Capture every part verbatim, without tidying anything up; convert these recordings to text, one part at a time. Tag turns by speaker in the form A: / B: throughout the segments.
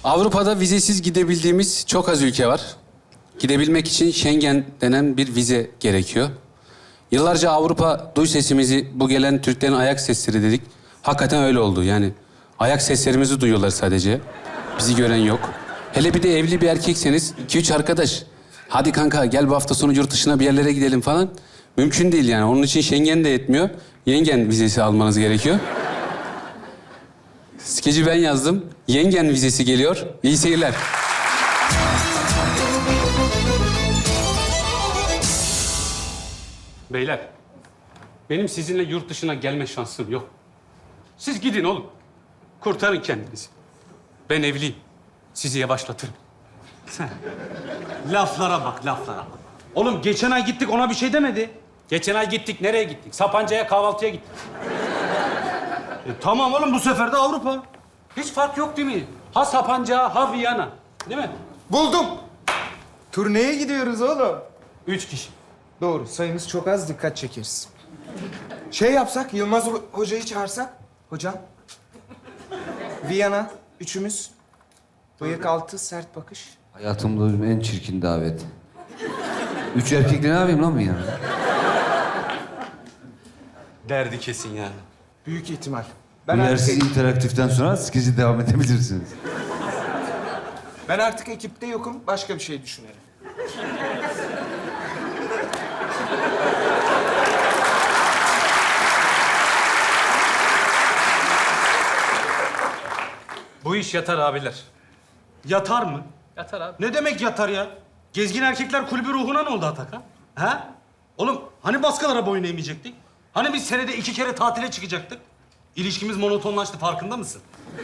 A: Avrupa'da vizesiz gidebildiğimiz çok az ülke var. Gidebilmek için Schengen denen bir vize gerekiyor. Yıllarca Avrupa duy sesimizi, bu gelen Türklerin ayak sesleri dedik. Hakikaten öyle oldu yani. Ayak seslerimizi duyuyorlar sadece. Bizi gören yok. Hele bir de evli bir erkekseniz iki üç arkadaş. Hadi kanka gel bu hafta sonu yurt dışına bir yerlere gidelim falan. Mümkün değil yani. Onun için Schengen de yetmiyor. Yengen vizesi almanız gerekiyor. Skeci ben yazdım. Yengen vizesi geliyor. İyi seyirler. Beyler, benim sizinle yurt dışına gelme şansım yok. Siz gidin oğlum. Kurtarın kendinizi. Ben evliyim. Sizi yavaşlatırım.
B: Laflara bak, laflara bak. Oğlum geçen ay gittik, ona bir şey demedi.
A: Geçen ay gittik. Nereye gittik? Sapanca'ya kahvaltıya gittik.
B: E, tamam oğlum, bu sefer de Avrupa.
A: Hiç fark yok değil mi? Ha Sapanca, ha Viyana. Değil mi?
C: Buldum. Turneye gidiyoruz oğlum.
A: Üç kişi.
C: Doğru, sayımız çok az, dikkat çekeriz. Şey yapsak, Yılmaz Ho- Hoca'yı çağırsak. Hocam. Viyana, üçümüz. Bıyık altı, sert bakış.
D: Hayatımda duyduğum en çirkin davet. Üç erkekle ne yapayım lan ben yani?
B: Derdi kesin yani.
C: Büyük ihtimal.
D: Bu
C: Ben artık,
D: yersiz interaktiften sonra skeci devam edebilirsiniz.
C: ben artık ekipte yokum, başka bir şey düşünelim.
A: Bu iş yatar abiler.
B: Yatar mı?
A: Yatar abi.
B: Ne demek yatar ya? Gezgin Erkekler Kulübü ruhuna ne oldu Atakan? Ha? Oğlum hani baskılara boyun eğmeyecektik? Hani biz senede iki kere tatile çıkacaktık? İlişkimiz monotonlaştı, farkında mısın?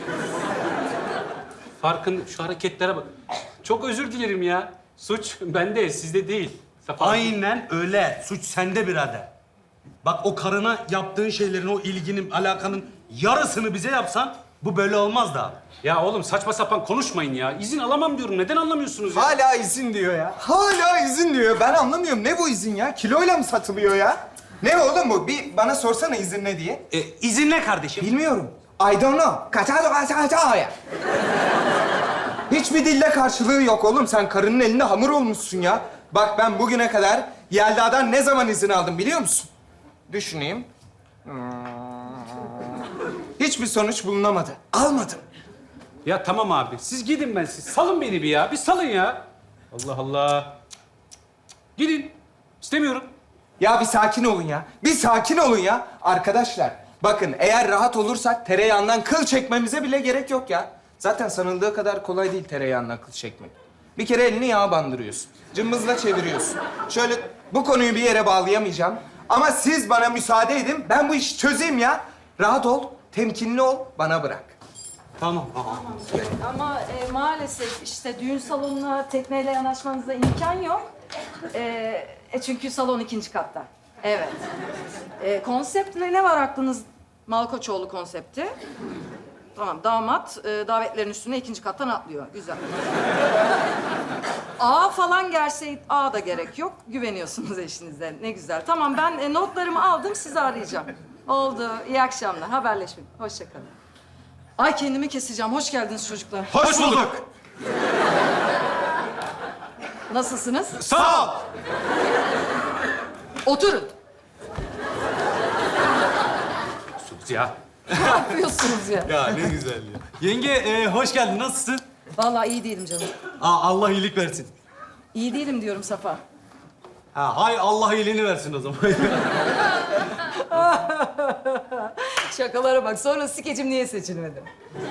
A: Farkın şu hareketlere bak. Çok özür dilerim ya. Suç bende, sizde değil. Sapan.
B: Aynen öyle. Suç sende birader. Bak o karına yaptığın şeylerin, o ilginin, alakanın yarısını bize yapsan bu böyle olmaz da.
A: Ya oğlum saçma sapan konuşmayın ya. İzin alamam diyorum. Neden anlamıyorsunuz ya?
C: Hala izin diyor ya. Hala izin diyor. Ben anlamıyorum. Ne bu izin ya? Kiloyla mı satılıyor ya? Ne oğlum bu? Bir bana sorsana izin ne diye.
B: E, izin ne kardeşim?
C: Bilmiyorum. I don't know. Kaçado kaçado ya. Hiçbir dille karşılığı yok oğlum. Sen karının elinde hamur olmuşsun ya. Bak ben bugüne kadar Yelda'dan ne zaman izin aldım biliyor musun? Düşüneyim. Hmm. Hiçbir sonuç bulunamadı. Almadım.
A: Ya tamam abi. Siz gidin ben siz. Salın beni bir ya. Bir salın ya. Allah Allah. Gidin. İstemiyorum.
C: Ya bir sakin olun ya. Bir sakin olun ya. Arkadaşlar bakın eğer rahat olursak tereyağından kıl çekmemize bile gerek yok ya. Zaten sanıldığı kadar kolay değil tereyağından kıl çekmek. Bir kere elini yağa bandırıyorsun. Cımbızla çeviriyorsun. Şöyle bu konuyu bir yere bağlayamayacağım. Ama siz bana müsaade edin. Ben bu işi çözeyim ya. Rahat ol, temkinli ol, bana bırak.
B: Tamam. Aa.
E: Ama e, maalesef işte düğün salonuna tekneyle yanaşmanıza imkan yok. E, e, çünkü salon ikinci katta. Evet. E, konsept ne, ne var aklınız? Malkoçoğlu konsepti. Tamam, damat e, davetlerin üstüne ikinci kattan atlıyor. Güzel. A falan gelse A da gerek yok. Güveniyorsunuz eşinize. Ne güzel. Tamam, ben e, notlarımı aldım, sizi arayacağım. Oldu. İyi akşamlar. Haberleşmek. Hoşça kalın. Ay kendimi keseceğim. Hoş geldiniz çocuklar.
B: Hoş bulduk.
E: Nasılsınız?
B: Sağ ol.
E: Oturun.
A: Sus ya.
E: Ne yapıyorsunuz ya?
B: Ya ne güzel ya. Yenge e, hoş geldin. Nasılsın?
E: Vallahi iyi değilim canım.
B: Aa, Allah iyilik versin.
E: İyi değilim diyorum Safa.
B: Ha, hay Allah iyiliğini versin o zaman.
E: Şakalara bak. Sonra skecim niye seçilmedi?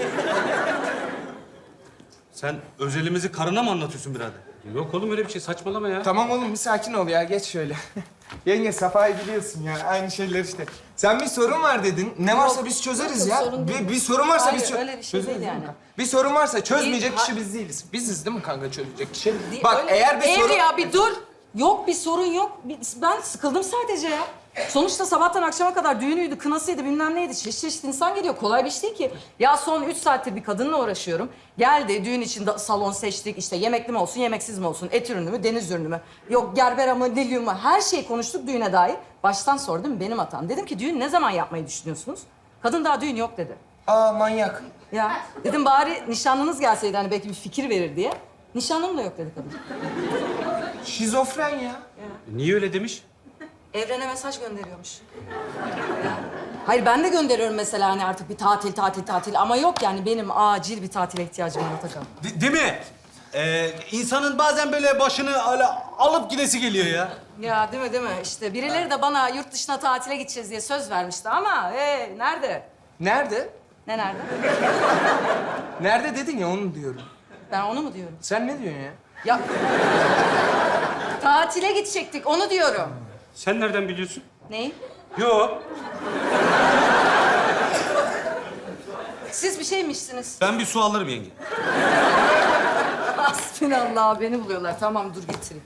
B: Sen özelimizi karına mı anlatıyorsun birader?
A: Yok oğlum öyle bir şey. Saçmalama ya.
C: Tamam oğlum bir sakin ol ya. Geç şöyle. Yenge Safa'yı biliyorsun ya. Aynı şeyler işte. Sen bir sorun var dedin. Ne varsa
E: Yok,
C: biz çözeriz
E: yok,
C: ya.
E: sorun değil.
C: Bir, bir sorun varsa
E: Hayır,
C: biz çö-
E: öyle bir şey
C: çözeriz
E: değil
C: mi
E: yani.
C: kanka? Bir sorun varsa çözmeyecek
E: Değil,
C: kişi
E: ha-
C: biz değiliz. Biziz değil mi kanka çözecek kişi?
E: Değil,
C: Bak
E: öyle-
C: eğer bir
E: Evri
C: sorun...
E: ya bir dur. Yok bir sorun yok. Bir- Ben sıkıldım sadece ya. Sonuçta sabahtan akşama kadar düğünüydü, kınasıydı, bilmem neydi. Çeşit çeşit insan geliyor. Kolay bir iş değil ki. Ya son üç saattir bir kadınla uğraşıyorum. Geldi, düğün için de salon seçtik. İşte yemekli mi olsun, yemeksiz mi olsun, et ürünü mü, deniz ürünü mü? Yok gerbera mı, lilyum mu? Her şeyi konuştuk düğüne dair. Baştan sordum, benim hatam. Dedim ki düğün ne zaman yapmayı düşünüyorsunuz? Kadın daha düğün yok dedi.
C: Aa manyak.
E: Ya dedim bari nişanlınız gelseydi hani belki bir fikir verir diye. Nişanlım da yok dedi kadın.
C: Şizofren ya.
B: Niye öyle demiş?
E: Evrene mesaj gönderiyormuş. Hayır ben de gönderiyorum mesela hani artık bir tatil, tatil, tatil. Ama yok yani benim acil bir tatile ihtiyacım var Atakan.
B: De- değil mi? Ee, insanın bazen böyle başını öyle alıp gidesi geliyor ya.
E: Ya değil mi değil mi? İşte birileri de bana yurt dışına tatile gideceğiz diye söz vermişti ama hey, nerede?
C: Nerede?
E: Ne nerede?
C: Nerede dedin ya onu diyorum.
E: Ben onu mu diyorum?
C: Sen ne diyorsun ya?
E: Ya tatile gidecektik onu diyorum.
B: Sen nereden biliyorsun?
E: Neyi?
B: Yok.
E: Siz bir şey mi içtiniz?
B: Ben bir su alırım yenge.
E: Hasbinallah beni buluyorlar. Tamam dur getireyim.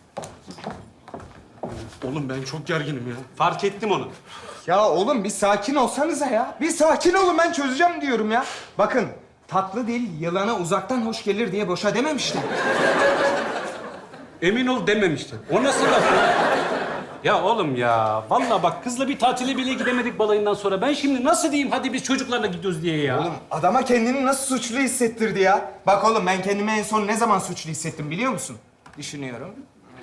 B: Oğlum ben çok gerginim ya. Fark ettim onu.
C: Ya oğlum bir sakin olsanıza ya. Bir sakin olun ben çözeceğim diyorum ya. Bakın tatlı dil yılana uzaktan hoş gelir diye boşa dememişler.
B: Emin ol dememiştin. O nasıl laf ya? Ya oğlum ya, vallahi bak kızla bir tatile bile gidemedik balayından sonra. Ben şimdi nasıl diyeyim hadi biz çocuklarla gidiyoruz diye ya?
C: Oğlum adama kendini nasıl suçlu hissettirdi ya? Bak oğlum ben kendimi en son ne zaman suçlu hissettim biliyor musun? Düşünüyorum.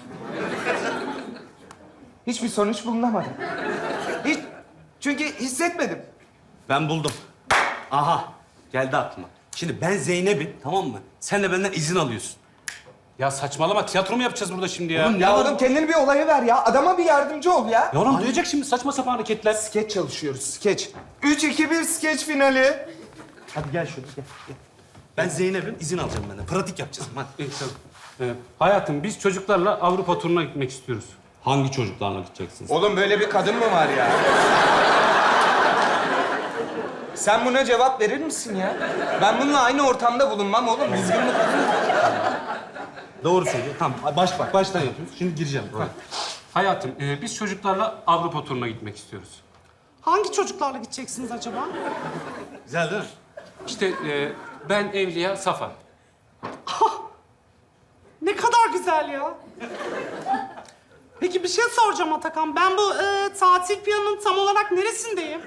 C: Hiçbir sonuç bulunamadı. Hiç. Çünkü hissetmedim.
B: Ben buldum. Aha, geldi aklıma. Şimdi ben Zeynep'im, tamam mı? Sen de benden izin alıyorsun. Ya saçmalama, tiyatro mu yapacağız burada şimdi ya?
C: Ya oğlum kendini bir olaya ver ya. Adama bir yardımcı ol ya.
B: Ya oğlum duyacak şimdi saçma sapan hareketler.
C: Skeç çalışıyoruz, skeç. Üç, iki, bir skeç finali.
B: Hadi gel şöyle, gel, gel. Ben Zeynep'im, izin alacağım benden. Pratik yapacağız. Hadi. İyi, tamam. Ee, hayatım, biz çocuklarla Avrupa turuna gitmek istiyoruz. Hangi çocuklarla gideceksiniz?
C: Oğlum böyle bir kadın mı var ya? Sen buna cevap verir misin ya? Ben bununla aynı ortamda bulunmam oğlum. Düzgün bir kadın.
B: Doğru söylüyor. Tamam, baş bak, baştan yapıyoruz. Şimdi gireceğim. Ha. Hayatım, e, biz çocuklarla Avrupa turuna gitmek istiyoruz.
F: Hangi çocuklarla gideceksiniz acaba?
B: Güzel değil mi? İşte e, ben Evliya, Safa.
F: Ne kadar güzel ya. Peki bir şey soracağım Atakan. Ben bu e, tatil planının tam olarak neresindeyim?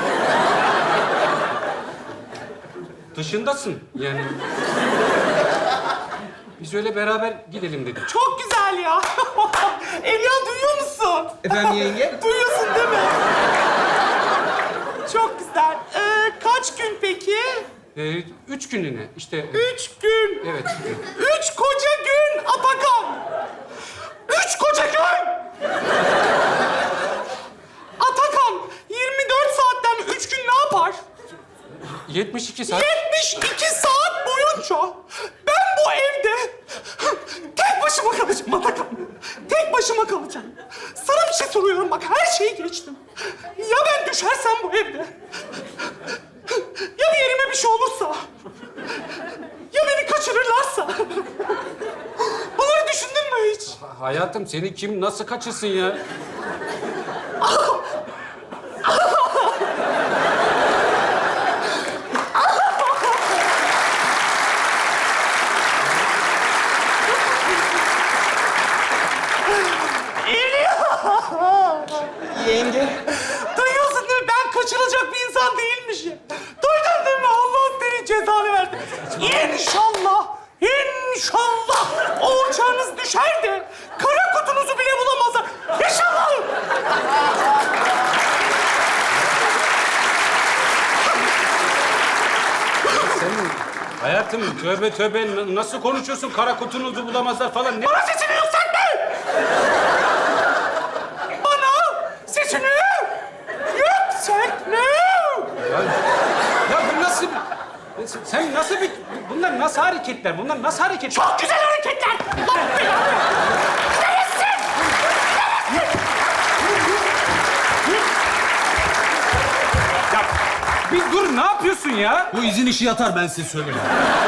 B: Dışındasın yani. Biz öyle beraber gidelim dedik.
F: Çok güzel ya. Evliya duyuyor musun?
C: Efendim yenge?
F: Duyuyorsun değil mi? Çok güzel. E, kaç gün peki?
B: E, üç günlüğüne işte.
F: Üç gün.
B: Evet.
F: Üç koca gün Atakan. Üç koca gün. Atakan, yirmi dört saatten üç gün ne yapar?
B: yetmiş iki saat.
F: yetmiş iki saat boyunca ben bu evde tek başıma kalacağım Atakan. Tek başıma kalacağım. Sana bir şey soruyorum bak her şeyi geçtim. Ya ben düşersem bu evde? Ya bir yerime bir şey olursa? Ya beni kaçırırlarsa? Bunları düşündün mü hiç?
B: Hayatım seni kim nasıl kaçırsın ya?
C: Yenge.
F: Duyuyorsun değil mi? Ben kaçırılacak bir insan değilmişim. Duydun değil mi? Allah senin cezanı versin. İnşallah, inşallah o uçağınız düşer de kara kutunuzu bile bulamazlar. İnşallah.
B: Sen hayatım tövbe tövbe n- nasıl konuşuyorsun? Kara kutunuzu bulamazlar falan. Ne?
F: Bana sesini yükseltme! Bana sesini yükseltme!
B: Ya, ya bu nasıl... Sen nasıl bir... Bunlar nasıl hareketler? Bunlar nasıl hareketler?
F: Çok güzel hareketler! Allah belanı! Şerefsiz!
B: Ya bir dur ne yapıyorsun ya?
G: Bu izin işi yatar ben size söyleyeyim.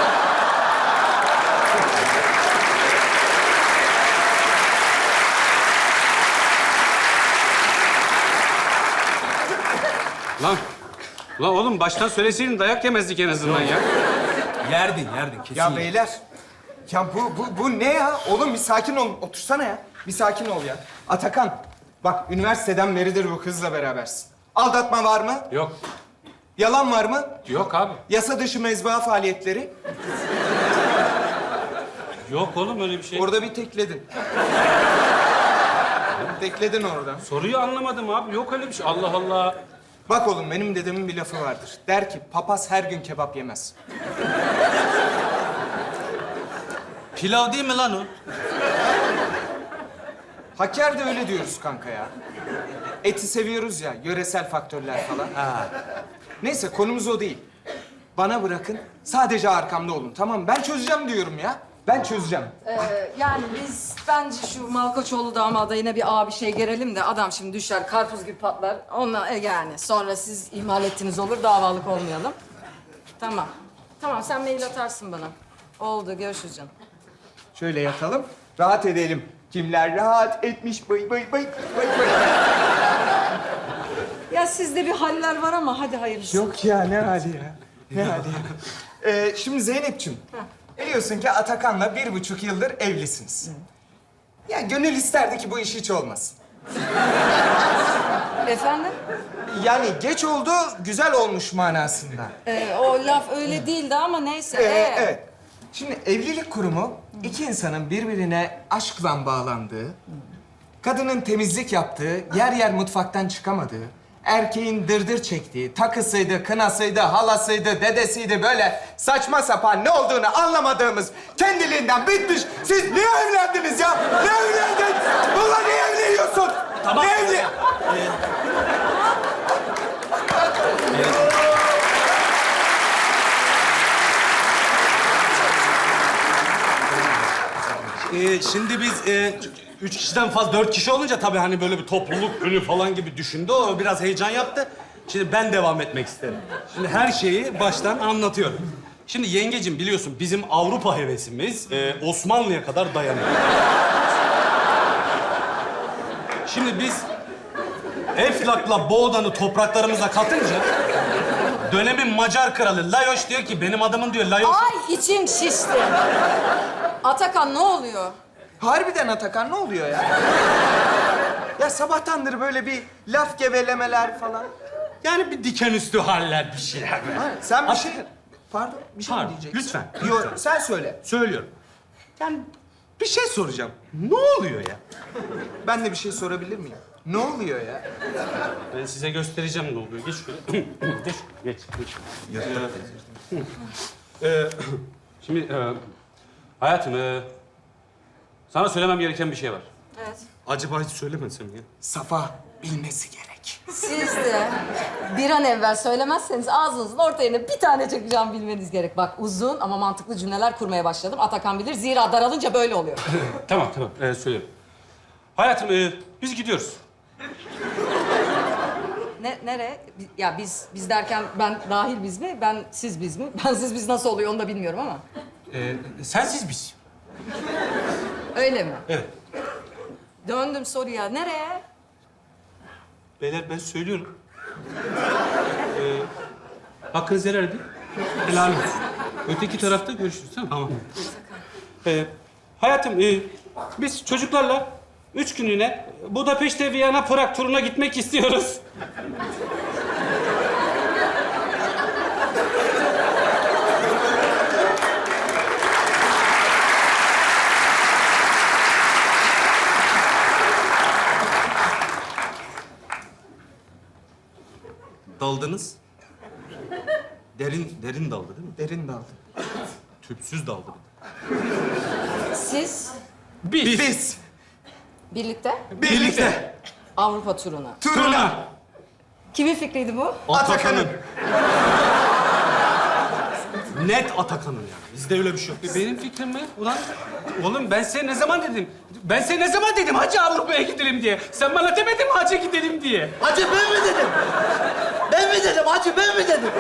B: Lan, lan oğlum baştan söyleseydin dayak yemezdik en azından ya.
G: Yerdin, yerdin kesin.
C: Ya beyler. Ya bu, bu, bu ne ya? Oğlum bir sakin ol. Otursana ya. Bir sakin ol ya. Atakan. Bak üniversiteden beridir bu kızla berabersin. Aldatma var mı?
B: Yok.
C: Yalan var mı?
B: Yok abi.
C: Yasa dışı mezba faaliyetleri.
B: Yok oğlum öyle bir şey.
C: Orada bir tekledin. Tekledin orada.
B: Soruyu anlamadım abi. Yok öyle bir şey. Allah Allah.
C: Bak oğlum benim dedemin bir lafı vardır. Der ki papaz her gün kebap yemez.
B: Pilav değil mi lan o?
C: Hakkari'de öyle diyoruz kanka ya. Eti seviyoruz ya, yöresel faktörler falan. Neyse konumuz o değil. Bana bırakın, sadece arkamda olun tamam mı? Ben çözeceğim diyorum ya. Ben çözeceğim.
E: Ee, yani biz bence şu Malkoçoğlu damada yine bir ağa bir şey gerelim de adam şimdi düşer karpuz gibi patlar. Onunla e, yani sonra siz ihmal ettiğiniz olur davalık olmayalım. Tamam. Tamam sen mail atarsın bana. Oldu görüşürüz canım.
C: Şöyle yatalım, rahat edelim. Kimler rahat etmiş bay bay bay bay bay.
E: Ya sizde bir haller var ama hadi hayırlısı.
C: Yok ya ne hali ya. Ne hali ya. Ee, şimdi Zeynep'ciğim. Biliyorsun ki Atakan'la bir buçuk yıldır evlisiniz. Ya gönül isterdi ki bu iş hiç olmasın.
E: Efendim?
C: Yani geç oldu, güzel olmuş manasında.
E: Ee, o laf öyle değildi ama neyse.
C: Ee,
E: Ee,
C: evet. Şimdi evlilik kurumu iki insanın birbirine aşkla bağlandığı, kadının temizlik yaptığı, yer yer mutfaktan çıkamadığı, erkeğin dırdır çektiği, takısıydı, kınasıydı, halasıydı, dedesiydi böyle saçma sapan ne olduğunu anlamadığımız kendiliğinden bitmiş. Siz niye evlendiniz ya? Ne evlendin? Ulan niye evleniyorsun?
B: Tamam.
C: Ne evli...
B: Ee, şimdi biz e, üç kişiden fazla, dört kişi olunca tabii hani böyle bir topluluk günü falan gibi düşündü. O biraz heyecan yaptı. Şimdi ben devam etmek isterim. Şimdi her şeyi baştan anlatıyorum. Şimdi yengecim biliyorsun bizim Avrupa hevesimiz e, Osmanlı'ya kadar dayanıyor. Şimdi biz Eflak'la Boğdan'ı topraklarımıza katınca dönemin Macar kralı Lajos diyor ki benim adamın diyor Lajos...
E: Ay içim şişti. Atakan ne oluyor?
C: Harbiden Atakan ne oluyor ya? Ya sabahtandır böyle bir laf gevelemeler falan.
B: Yani bir diken üstü haller bir şeyler.
C: Ha, sen bir şey... Pardon, bir şey mi
B: Pardon,
C: diyeceksin?
B: lütfen,
C: Yok,
B: lütfen.
C: sen söyle.
B: Söylüyorum. Yani bir şey soracağım. Ne oluyor ya?
C: Ben de bir şey sorabilir miyim? Ne oluyor ya?
B: Ben size göstereceğim ne oluyor. Geç şöyle. geç, geç, geç. Ee, ee, şimdi e, hayatım, e, sana söylemem gereken bir şey var.
E: Evet.
B: Acaba hiç söylemesem ya?
C: Safa bilmesi gerek.
E: Siz de bir an evvel söylemezseniz ağzınızın orta yerine bir tane çakacağım bilmeniz gerek. Bak uzun ama mantıklı cümleler kurmaya başladım. Atakan bilir zira daralınca böyle oluyor.
B: Tamam, tamam. Ee, söylüyorum. Hayatım, e, biz gidiyoruz.
E: Ne, nereye? Bi- Ya biz, biz derken ben dahil biz mi? Ben siz biz mi? Ben siz biz nasıl oluyor onu da bilmiyorum ama.
B: Ee, sensiz biz.
E: Öyle mi?
B: Evet.
E: Döndüm soruya. Nereye?
B: Beyler ben söylüyorum. Ee, hakkınızı helal edin. Helal olsun. Öteki tarafta görüşürüz tamam mı? Tamam. Ee, hayatım, e, biz çocuklarla üç günlüğüne Budapeşte, Viyana, Prag turuna gitmek istiyoruz. Daldınız. Derin, derin daldı değil mi?
C: Derin daldı.
B: Tüpsüz daldı.
E: Siz
B: Biz.
C: Biz
E: birlikte
C: birlikte
E: Avrupa turuna.
C: turuna
E: Kimin fikriydi bu?
C: Atakan'ın.
B: Net Atakan'ın yani. Bizde öyle bir şey yok. Benim fikrim mi? Ulan oğlum ben size ne zaman dedim? Ben size ne zaman dedim hacı Avrupa'ya gidelim diye? Sen bana demedin mi hacı gidelim diye?
F: Hacı ben mi dedim? Ben mi dedim hacı ben mi dedim?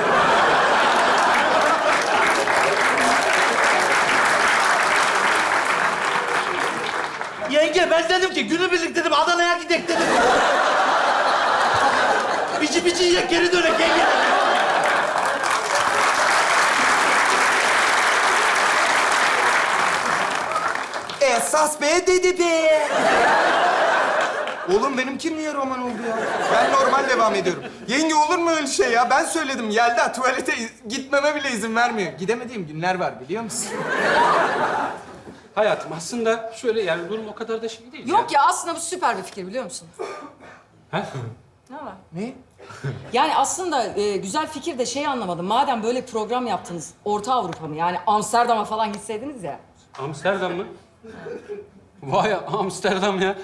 F: Yenge ben dedim ki günübirlik dedim Adana'ya gidek dedim. Bici bici yiyek geri dönek yenge.
C: Esas be dedi be. Oğlum benimki niye roman oldu ya? Ben normal devam ediyorum. Yenge olur mu öyle şey ya? Ben söyledim. Yelda tuvalete iz- gitmeme bile izin vermiyor. Gidemediğim günler var biliyor musun?
B: Hayatım aslında şöyle yani durum o kadar da şey değil.
E: Yok ya aslında bu süper bir fikir biliyor musun?
B: Ha?
E: Ne var?
C: Ne?
E: Yani aslında e, güzel fikir de şeyi anlamadım. Madem böyle program yaptınız, Orta Avrupa mı? Yani Amsterdam'a falan gitseydiniz ya.
B: Amsterdam mı? Vay Amsterdam ya.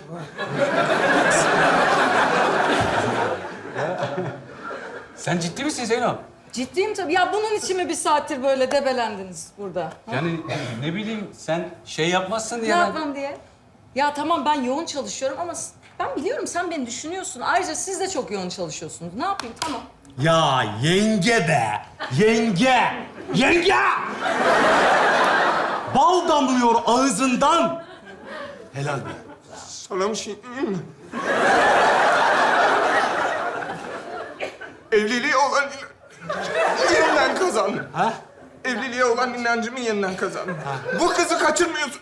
B: Sen ciddi misin Zeyno?
E: Ciddiyim tabii. Ya bunun için mi bir saattir böyle debelendiniz burada?
B: Yani ne bileyim sen şey yapmazsın
E: Ne
B: diye ben...
E: yapmam diye? Ya tamam ben yoğun çalışıyorum ama s- ben biliyorum sen beni düşünüyorsun. Ayrıca siz de çok yoğun çalışıyorsunuz. Ne yapayım? Tamam.
G: Ya yenge be! Yenge! Yenge! Bal damlıyor ağzından. Helal be.
C: Sana bir şey diyeyim mi? Evliliğe olan in- yeniden kazandım.
G: Ha?
C: Evliliğe olan inancımı yeniden kazandım. Bu kızı kaçırmıyorsun.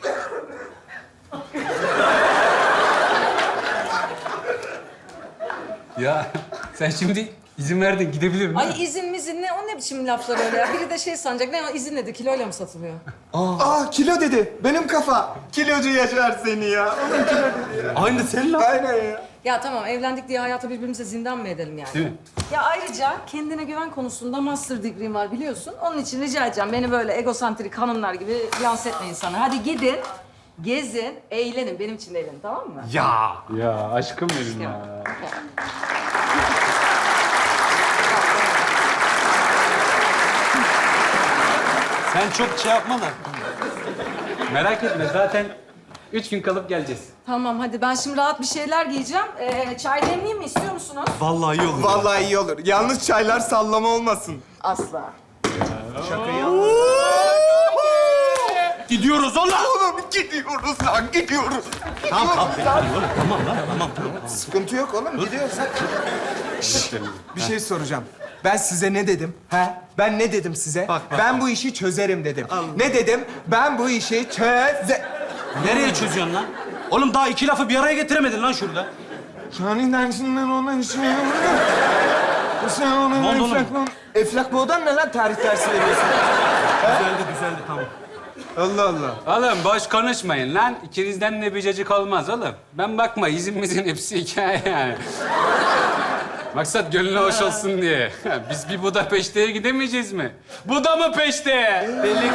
B: Ya sen şimdi izin verdin gidebilir miyim?
E: Ay izin mizin ne? O ne biçim laflar öyle ya? Biri de şey sanacak. Ne o izin dedi? Kiloyla mı satılıyor?
C: Aa kilo dedi. Benim kafa. Kilocu yaşar seni ya. Oğlum kilo dedi ya.
G: Aynı sen lan.
C: Aynen ya.
E: Ya tamam evlendik diye hayata birbirimize zindan mı edelim yani?
B: Değil mi?
E: Ya ayrıca kendine güven konusunda master degree'm var biliyorsun. Onun için rica edeceğim beni böyle egosantrik hanımlar gibi lanse etmeyin sana. Hadi gidin, gezin, eğlenin. Benim için de eğlenin tamam mı?
G: Ya.
B: Ya aşkım benim ya. Sen çok şey yapma da. Merak etme zaten üç gün kalıp geleceğiz.
E: Tamam hadi ben şimdi rahat bir şeyler giyeceğim. Ee, çay demleyeyim mi istiyor musunuz?
G: Vallahi iyi olur.
C: Vallahi iyi olur. Yalnız çaylar sallama olmasın.
E: Asla.
G: Gidiyoruz oğlum.
C: Oğlum gidiyoruz lan gidiyoruz.
G: Tamam tamam. Oğlum, tamam lan tamam tamam.
C: Sıkıntı yok oğlum gidiyoruz. Şşt, bir şey soracağım. Ben size ne dedim? He? Ben ne dedim size?
G: Bak, bak,
C: ben bu işi çözerim dedim. Ne dedim? Ben bu işi çöze...
G: Nereye çözüyorsun lan? Oğlum daha iki lafı bir araya getiremedin lan şurada.
C: Şahin dersinden ona şey Sen ona
G: Ne oldu oğlum?
C: eflak... Eflak boğdan ne lan tarih dersi veriyorsun?
G: Düzeldi düzeldi tamam.
C: Allah Allah.
A: Oğlum boş konuşmayın lan. İkinizden de bir cacık olmaz oğlum. Ben bakma izimizin hepsi hikaye yani. Maksat gönlü hoş olsun diye. Biz bir Buda peşteye gidemeyeceğiz mi? Buda mı peşteye?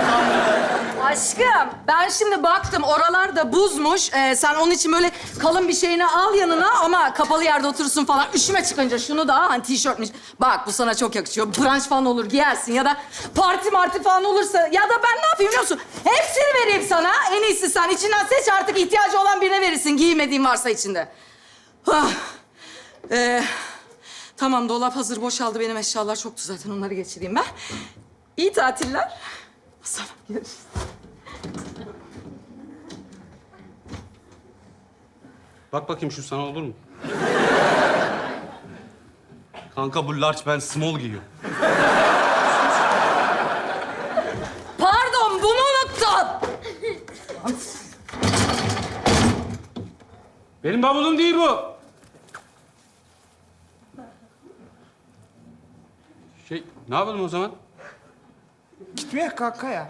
E: Aşkım ben şimdi baktım oralarda buzmuş. Ee, sen onun için böyle kalın bir şeyini al yanına ama kapalı yerde oturursun falan. Üşüme çıkınca şunu da hani tişörtmüş. Bak bu sana çok yakışıyor. Brunch falan olur giyersin ya da parti marti falan olursa ya da ben ne yapayım biliyor musun? Hepsini vereyim sana. En iyisi sen içinden seç artık ihtiyacı olan birine verirsin. Giymediğin varsa içinde. Ah. Ee, tamam dolap hazır boşaldı benim eşyalar çoktu zaten onları geçireyim ben. İyi tatiller. Sonra görüşürüz.
G: Bak bakayım şu sana olur mu? Kanka bu large ben small giyiyorum.
E: Pardon, bunu unuttun.
A: Benim bavulum değil bu. Şey, ne yapalım o zaman?
C: Gitmeye kanka ya.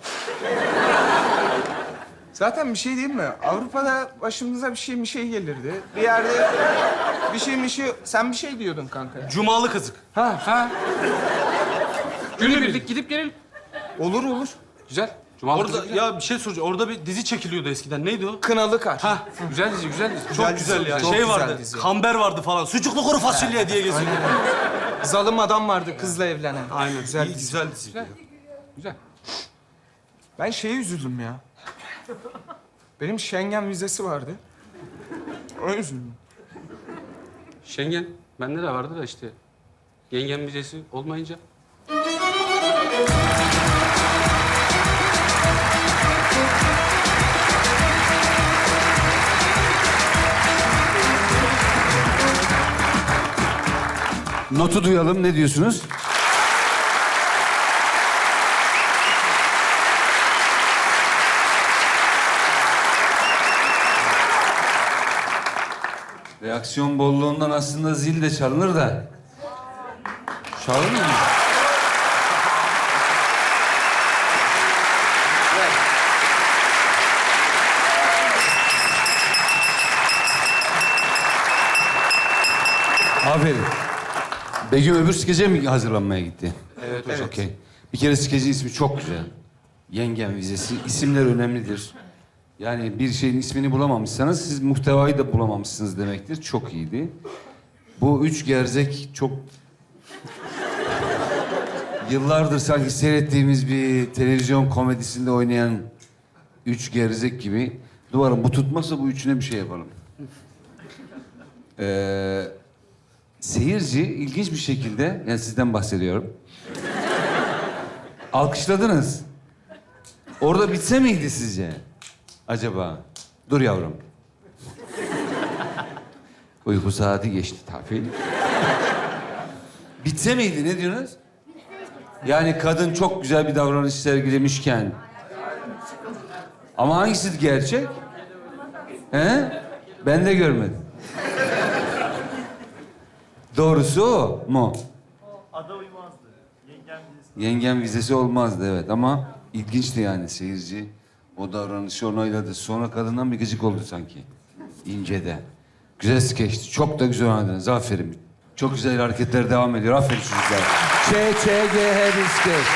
C: Zaten bir şey değil mi? Avrupa'da başımıza bir şey bir şey gelirdi. Bir yerde bir şey bir şey... Sen bir şey diyordun kanka.
G: Cumalı kızık.
C: Ha,
A: Ha? Günübirlik gidip gelelim.
C: olur olur.
A: Güzel. Cumalı
G: Orada
A: kızı
G: ya bir şey soracağım. Orada bir dizi çekiliyordu eskiden. Neydi o?
C: Kınalı kar.
G: Ha,
A: güzel dizi, güzel dizi.
G: çok
C: dizi,
G: güzel ya.
C: çok
G: şey
C: güzel
G: vardı.
C: dizi.
G: Kamber vardı falan. Sucuklu kuru fasulye diye geziyordu.
C: Zalim adam vardı kızla evlenen.
G: Aynen.
C: Güzel
G: İyi,
C: dizi.
G: güzel dizi.
A: Güzel. Güzel.
C: Ben şeye üzüldüm ya. Benim Schengen vizesi vardı. Ona üzüldüm.
A: Schengen, bende de vardı da işte. Yengen vizesi olmayınca.
D: Notu duyalım. Ne diyorsunuz? Reaksiyon bolluğundan aslında zil de çalınır da. Çalınır mı? Aferin. Begüm öbür skece mi hazırlanmaya gitti? Evet, evet. Okey. Bir kere skecin ismi çok güzel. Yengem vizesi. İsimler önemlidir. Yani bir şeyin ismini bulamamışsanız siz muhtevayı da bulamamışsınız demektir. Çok iyiydi. Bu üç gerzek çok... Yıllardır sanki seyrettiğimiz bir televizyon komedisinde oynayan üç gerzek gibi. Duvarım bu tutmazsa bu üçüne bir şey yapalım. Ee, seyirci ilginç bir şekilde, yani sizden bahsediyorum. Alkışladınız. Orada bitse miydi sizce? Acaba? Dur yavrum. Uyku saati geçti tabii. Bitse miydi? Ne diyorsunuz? Yani kadın çok güzel bir davranış sergilemişken. Ama hangisi gerçek? He? Ben de görmedim. Doğrusu o mu?
H: Ada uymazdı. Yengem vizesi.
D: Yengem vizesi olmazdı evet ama ilginçti yani seyirci. O davranışı onayladı. Sonra kadından bir gıcık oldu sanki. İnce'de. Güzel skeçti. Çok da güzel oynadınız. Aferin. Çok güzel hareketler devam ediyor. Aferin çocuklar. Ç, Ç, G, H bir skeç.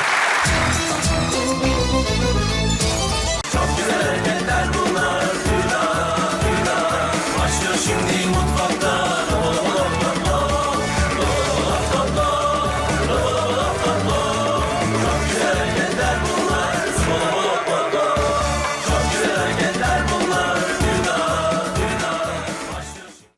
I: Çok güzel hareketler bunlar. Başlıyor şimdi mutfakta.